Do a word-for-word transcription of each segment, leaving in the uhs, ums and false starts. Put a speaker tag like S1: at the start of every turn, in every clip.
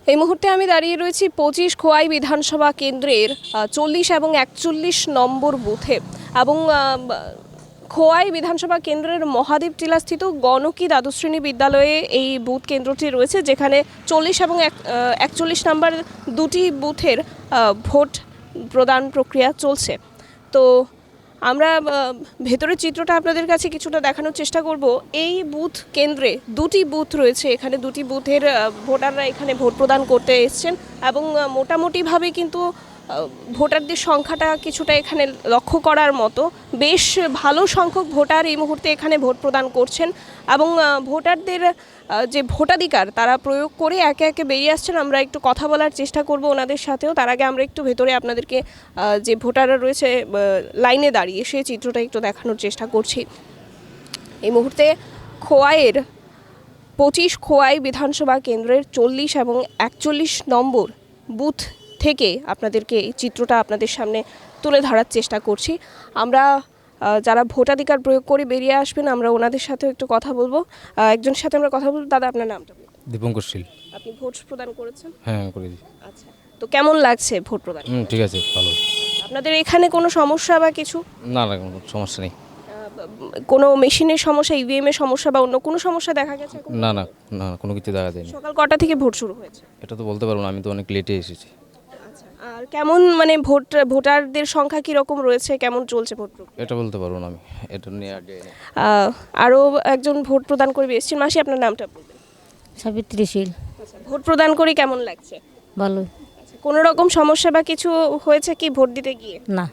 S1: এই মুহূর্তে আমি দাঁড়িয়ে রয়েছি পঁচিশ খোয়াই বিধানসভা কেন্দ্রের চল্লিশ এবং একচল্লিশ নম্বর বুথে এবং খোয়াই বিধানসভা কেন্দ্রের মহাদেব টিলাস্থিত গণকি দ্বাদশ শ্রেণী বিদ্যালয়ে এই বুথ কেন্দ্রটি রয়েছে, যেখানে চল্লিশ এবং একচল্লিশ নম্বর দুটি বুথের ভোট প্রদান প্রক্রিয়া চলছে। তো আমরা ভেতরের চিত্রটা আপনাদের কাছে কিছুটা দেখানোর চেষ্টা করব। এই বুথ কেন্দ্রে দুটি বুথ রয়েছে, এখানে দুটি বুথের ভোটাররা এখানে ভোট প্রদান করতে এসছেন এবং মোটামুটিভাবে কিন্তু ভোটারদের সংখ্যাটা কিছুটা এখানে লক্ষ্য করার মতো। বেশ ভালো সংখ্যক ভোটার এই মুহূর্তে এখানে ভোট প্রদান করছেন এবং ভোটারদের যে ভোটাধিকার তারা প্রয়োগ করে একে একে বেরিয়ে আসছেন। আমরা একটু কথা বলার চেষ্টা করব ওনাদের সাথেও। তার আগে আমরা একটু ভেতরে আপনাদেরকে যে ভোটাররা রয়েছে লাইনে দাঁড়িয়ে সেই চিত্রটা একটু দেখানোর চেষ্টা করছি। এই মুহূর্তে খোয়াইয়ের পঁচিশ খোয়াই বিধানসভা কেন্দ্রের চল্লিশ এবং একচল্লিশ নম্বর বুথ থেকে আপনাদেরকে এই চিত্রটা আপনাদের সামনে তুলে ধরার চেষ্টা করছি। আমরা যারা ভোটাধিকার প্রয়োগ করে বেরিয়ে আসবেন আমরা ওনাদের সাথেও একটু কথা বলবো। একজনের সাথে আমরা কথা বলবো। দাদা, আপনার নামটা বলুন।
S2: দীপঙ্কর শীল।
S1: আপনি ভোট প্রদান করেছেন?
S2: হ্যাঁ, করেছি।
S1: আচ্ছা, তো কেমন লাগছে ভোট প্রদান?
S2: হুম, ঠিক আছে, ভালো।
S1: আপনাদের এখানে কোনো সমস্যা বা কিছু?
S2: না না, কোনো সমস্যা নেই।
S1: কোনো মেশিনের সমস্যা, ইভিএম এর সমস্যা বা অন্য কোনো সমস্যা দেখা গেছে?
S2: না না না, কোনো কিছু দেখা যায়নি।
S1: সকাল কটা থেকে ভোট শুরু হয়েছে?
S2: এটা তো বলতে পারবো না, আমি তো অনেক লেটে এসেছি।
S1: আর কেমন মানে ভোট ভোটারদের সংখ্যা কি রকম রয়েছে, কেমন চলছে ভোট?
S2: এটা বলতে পারবো না আমি, এটা নিয়ে আগে
S1: আরও একজন ভোট প্রদান করে এসেছেন। মাসি, আপনার নামটা বলবেন?
S3: সাবিত্রী শীল।
S1: আচ্ছা, ভোট প্রদান করে কেমন লাগছে?
S3: ভালো।
S1: আচ্ছা, কোনো রকম সমস্যা বা কিছু হয়েছে কি ভোট দিতে গিয়ে?
S3: না।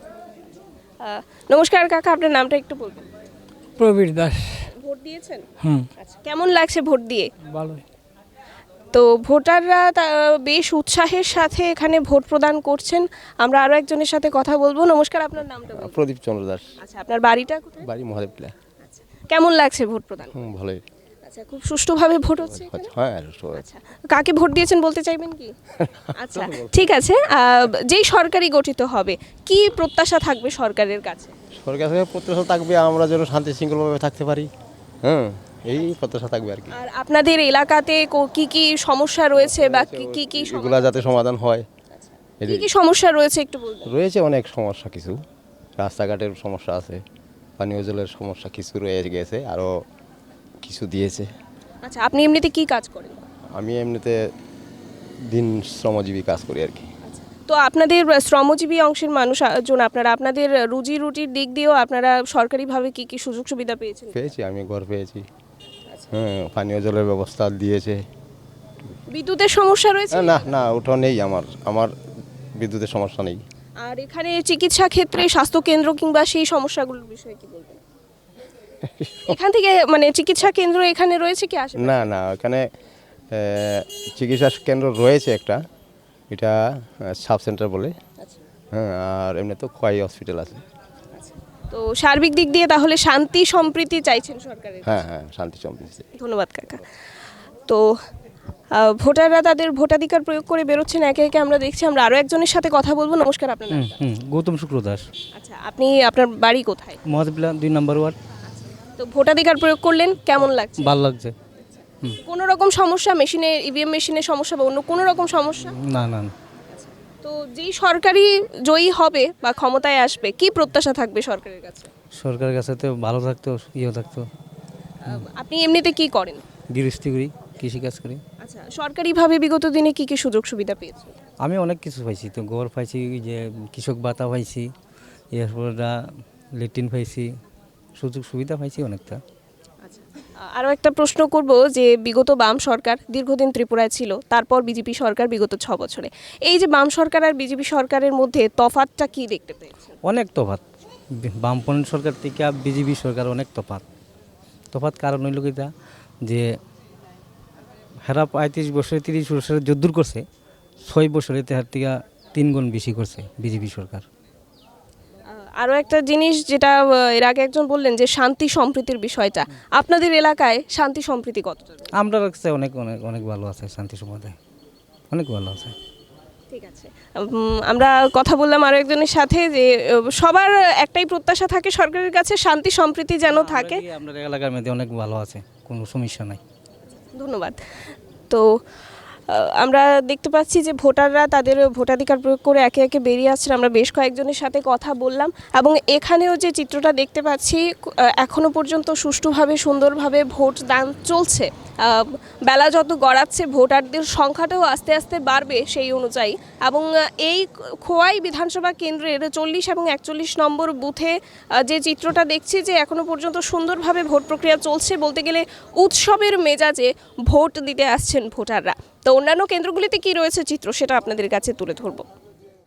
S1: নমস্কার কাকা, আপনার নামটা একটু বলবেন?
S4: প্রবীর দাস।
S1: ভোট দিয়েছেন?
S4: হুম।
S1: আচ্ছা, কেমন লাগছে ভোট দিয়ে?
S4: ভালো।
S1: তো ভোটাররা বেশ উৎসাহের সাথে এখানে ভোট প্রদান করছেন। আমরা আরও একজনের সাথে কথা বলবো। নমস্কার, আপনার নামটা বলুন?
S5: প্রদীপ চন্দ্র দাস।
S1: আচ্ছা, আপনার বাড়িটা কোথায়?
S5: বাড়ি মহাদেব টিলা।
S1: আচ্ছা, কেমন লাগছে ভোট প্রদান?
S5: হুম, ভালোই।
S1: আচ্ছা, খুব সুষ্ঠুভাবে ভোট হচ্ছে এখানে?
S5: হ্যাঁ।
S1: আচ্ছা, কাকে ভোট দিয়েছেন বলতে চাইবেন কি? আচ্ছা, ঠিক আছে। যেই সরকারি গঠিত হবে কি প্রত্যাশা থাকবে সরকারের কাছে?
S5: সরকার থেকে প্রত্যাশা থাকবে আমরা যেন শান্তি শৃঙ্খলভাবে থাকতে পারি। হ্যাঁ, এই প্রত্যাশা থাকবে আর কি।
S1: আর আপনাদের এলাকাতে কি কি সমস্যা রয়েছে বা কি কি
S5: এগুলা যাতে সমাধান হয়।
S1: কি কি সমস্যা রয়েছে একটু বলবেন?
S5: রয়েছে অনেক সমস্যা, কিছু রাস্তাঘাটের সমস্যা আছে, পানীয় জলের সমস্যা কিছু রয়ে গেছে, আরও কিছু দিয়েছে।
S1: আচ্ছা, আপনি এমনিতে কি কাজ করেন?
S5: আমি এমনিতে দিন শ্রমজীবী কাজ করি আর কি।
S1: তো আপনাদের শ্রমজীবী অংশের মানুষজন আপনারা আপনাদের রুজি রুটির দিক দিয়েও আপনারা সরকারিভাবে কি কি সুযোগ সুবিধা পেয়েছেন?
S5: পেয়েছি, আমি ঘর পেয়েছি। হ্যাঁ, পানীয় জলের ব্যবস্থা দিয়েছে।
S1: বিদ্যুতের সমস্যা রয়েছে?
S5: না না, ওটা নেই, আমার আমার বিদ্যুতের সমস্যা নেই।
S1: আর এখানে চিকিৎসা ক্ষেত্রে স্বাস্থ্য কেন্দ্র কিংবা সেই সমস্যাগুলোর বিষয়ে কি বলবেন? এখান থেকে মানে চিকিৎসা কেন্দ্র এখানে রয়েছে কি আসে?
S5: না না, এখানে চিকিৎসা কেন্দ্র রয়েছে একটা, এটা সাব সেন্টার বলে। হ্যাঁ, আর এমনি তো খোয়াই হসপিটাল আছে।
S1: তো সার্বিক দিক দিয়ে তাহলে শান্তি সম্প্রীতি চাইছেন সরকারের?
S5: হ্যাঁ হ্যাঁ, শান্তি সম্প্রীতি।
S1: ধন্যবাদ কাকা। তো ভোটাররা তাদের ভোটাধিকার প্রয়োগ করে বেরোচ্ছেন একে একে, আমরা দেখছি। আমরা আরও একজনের সাথে কথা বলবো। নমস্কার, আপনার নাম?
S4: হুম, গৌতম শুক্র দাস।
S1: আচ্ছা, আপনি আপনার বাড়ি কোথায়?
S4: মহাদেবলা দুই নম্বর ওয়ার্ড।
S1: তো ভোটাধিকার প্রয়োগ করলেন, কেমন লাগছে?
S4: ভালো লাগছে।
S1: কোনো রকম সমস্যা, মেশিনে ইভিএম মেশিনের সমস্যা বা অন্য কোনো রকম সমস্যা?
S4: না না না।
S1: তো যেই সরকারি জয়ী হবে বা ক্ষমতায় আসবে কি প্রত্যাশা থাকবে সরকারের কাছে?
S4: সরকারের কাছে তো ভালো থাকতো, ইয়ে থাকতো।
S1: আপনি এমনিতে কি করেন?
S4: গৃহস্থী করি, কৃষিকাজ করি।
S1: আচ্ছা, সরকারিভাবে বিগত দিনে কি কি সুযোগ সুবিধা পেয়েছেন?
S4: আমি অনেক কিছু পাইছি, তো ঘর পাইছি, যে কৃষক ভাতা পাইছি, এরপর লেট্রিন পাইছি, সুযোগ সুবিধা পাইছি অনেকটা।
S1: আরও একটা প্রশ্ন করব যে বিগত বাম সরকার দীর্ঘদিন ত্রিপুরায় ছিল, তারপর বিজেপি সরকার বিগত ছ বছরে, এই যে বাম সরকার আর বিজেপি সরকারের মধ্যে তফাৎটা কি দেখতে পেয়েছেন?
S4: অনেক তফাৎ, বামপন্থী সরকার থেকে বিজেপি সরকার অনেক তফাৎ। তফাৎ কারণ হইল কিটা, যে হেরা পঁয়ত্রিশ বছরে তিরিশ বছরে যদ্দূর করছে, ছয় বছরে তার থেকে তিন গুণ বেশি করছে বিজেপি সরকার।
S1: আরও একটা জিনিস যেটা এর আগে একজন বললেন যে শান্তি সম্প্রীতির বিষয়টা, আপনাদের এলাকায় শান্তি সম্প্রীতি কতটা?
S4: আমরা কাছে অনেক অনেক অনেক ভালো আছে, শান্তি সম্প্রদায় অনেক ভালো আছে।
S1: ঠিক আছে, আমরা কথা বললাম আরও একজনের সাথে যে সবার একটাই প্রত্যাশা থাকে সরকারের কাছে, শান্তি সম্প্রীতি যেন থাকে।
S4: আমাদের এলাকার মধ্যে অনেক ভালো আছে, কোনো সমস্যা নাই।
S1: ধন্যবাদ। তো আমরা দেখতে পাচ্ছি যে ভোটাররা তাদের ভোটাধিকার প্রয়োগ করে একে একে বেরিয়ে আসছেন। আমরা বেশ কয়েকজনের সাথে কথা বললাম এবং এখানেও যে চিত্রটা দেখতে পাচ্ছি এখনো পর্যন্ত সুষ্ঠুভাবে সুন্দরভাবে ভোট দান চলছে। আহ, বেলা যত গড়াচ্ছে ভোটারদের সংখ্যাটাও আস্তে আস্তে বাড়বে সেই অনুযায়ী। এবং এই খোয়াই বিধানসভা কেন্দ্রের চল্লিশ এবং একচল্লিশ নম্বর বুথে আহ, যে চিত্রটা দেখছি যে এখনো পর্যন্ত সুন্দরভাবে ভোট প্রক্রিয়া চলছে, বলতে গেলে উৎসবের মেজাজে ভোট দিতে আসছেন ভোটাররা। তো অন্যান্য কেন্দ্রগুলিতে কি রয়েছে চিত্র সেটা আপনাদের কাছে তুলে ধরবো।